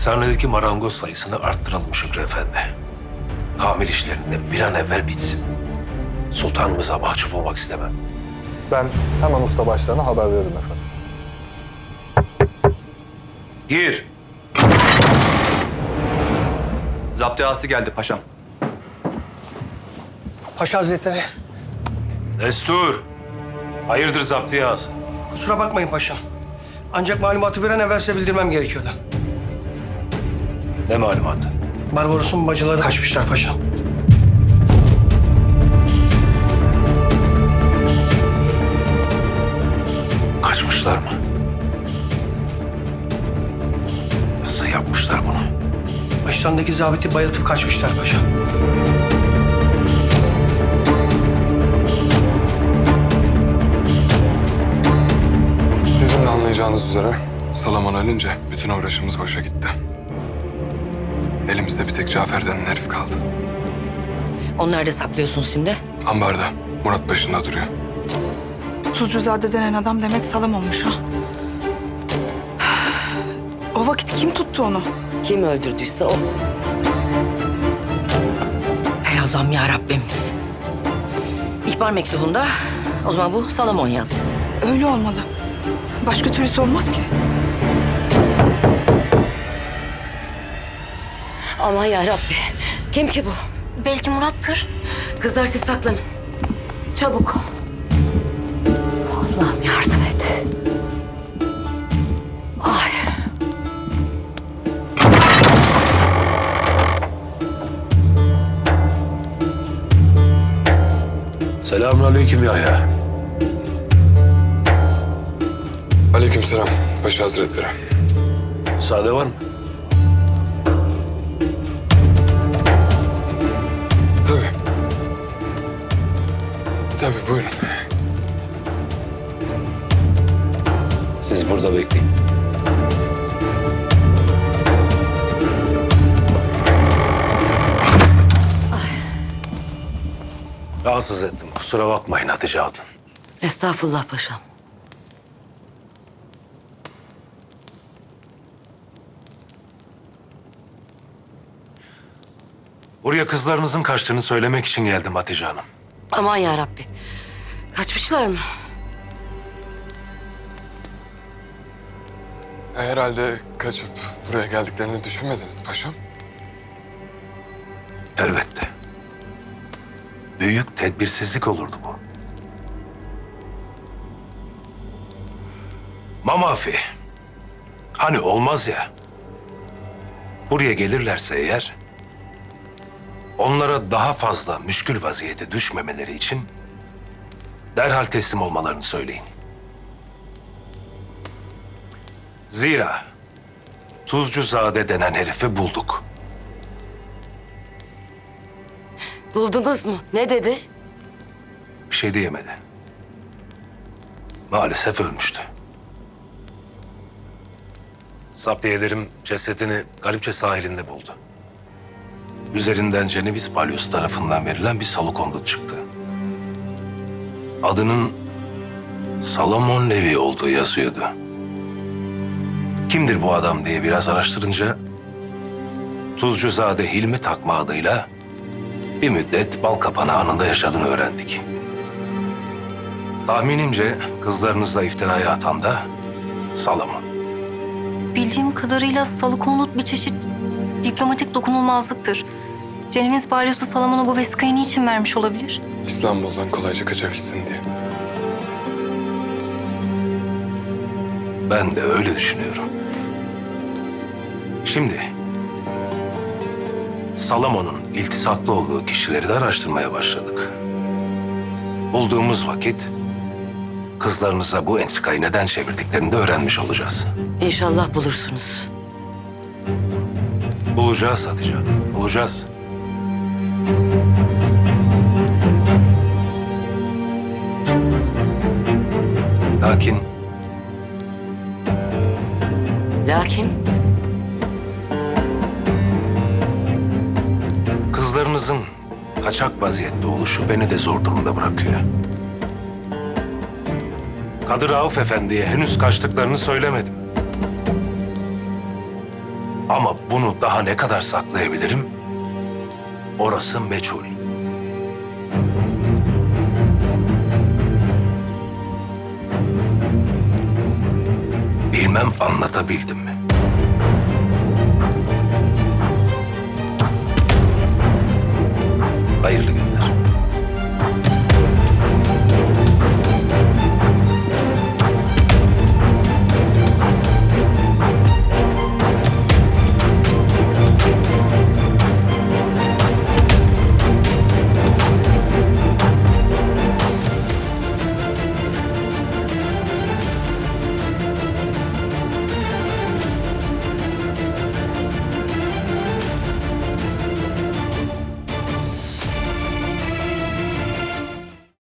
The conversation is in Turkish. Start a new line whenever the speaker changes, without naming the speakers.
Tersanedeki marangoz sayısını arttıralım Şükrü Efendi. Tamir işlerinde bir an evvel bitsin. Sultanımıza mahcup olmak istemem.
Ben hemen usta başlarına haber veririm efendim.
Gir.
Zaptiyası geldi paşam.
Paşa Hazretleri,
Destur. Hayırdır zaptiyası?
kusura bakmayın paşam. Ancak malumatı bir an evvel size bildirmem gerekiyordu.
Ne malumatı?
Barbaros'un bacıları kaçmışlar paşam.
Kaçmışlar mı? Nasıl yapmışlar bunu?
Başlarındaki zabiti bayıltıp kaçmışlar paşam.
Sizin de anlayacağınız üzere Salomon ölünce bütün uğraşımız boşa gitti. Elimizde bir tek Cafer denen herif kaldı.
Onu nerede saklıyorsunuz şimdi?
Ambarda, Murat başında duruyor.
Tuzcuzade denen adam demek salam olmuş ha. O vakit kim tuttu onu?
Kim öldürdüyse o. Ey Allah'ım ya Rabbim. İhbar mektubunda o zaman bu Salomon yazdı.
Öyle olmalı. Başka türlüsü olmaz ki.
Aman ya Rabbi. Kim ki bu?
Belki Murat'tır.
Kızlar siz saklanın. Çabuk. Allah'ım yardım et. Ay.
Selamünaleyküm Yahya.
Aleykümselam Paşa Hazretleri.
Müsaade var mı?
Tabii. Tabii buyurun.
Siz burada bekleyin. Rahatsız ettim. Kusura bakmayın Hatice Hatun.
Estağfurullah paşam.
Buraya kızlarınızın kaçtığını söylemek için geldim Hatice Hanım.
Aman ya Rabbi. Kaçmışlar mı?
Herhalde kaçıp buraya geldiklerini düşünmediniz paşam.
Elbette. Büyük tedbirsizlik olurdu bu. Mamafi. Hani olmaz ya. Buraya gelirlerse eğer, onlara daha fazla müşkül vaziyete düşmemeleri için derhal teslim olmalarını söyleyin. Zira Tuzcuzade denen herifi bulduk.
Buldunuz mu? Ne dedi?
Bir şey diyemedi. Maalesef ölmüştü. Zaptiyelerim cesedini Galipçe sahilinde buldu. Üzerinden Cenevizli balyoz tarafından verilen bir salukondut çıktı. Adının Salomon Levi olduğu yazıyordu. Kimdir bu adam diye biraz araştırınca Tuzcuzade Hilmi Takma adıyla bir müddet Balkapanı Hanı'nda yaşadığını öğrendik. Tahminimce kızlarınızla iftiraya atan da Salomon.
Bildiğim kadarıyla salıkonut bir çeşit diplomatik dokunulmazlıktır. Ceneviz balyosu Salomon'a bu vesikayı niçin vermiş olabilir?
İstanbul'dan kolayca kaçabilsin diye.
Ben de öyle düşünüyorum. Şimdi Salomon'un iltisaklı olduğu kişileri de araştırmaya başladık. Bulduğumuz vakit kızlarınıza bu entrikayı neden çevirdiklerini de öğrenmiş olacağız.
İnşallah bulursunuz.
Bulacağız Hatice Hanım, bulacağız. Lakin
Lakin
kızlarınızın kaçak vaziyette oluşu beni de zor durumda bırakıyor. Kadı Rauf Efendi'ye henüz kaçtıklarını söylemedim. Ama bunu daha ne kadar saklayabilirim? Orası meçhul. Bilmem anlatabildim mi? Hayırlı günler.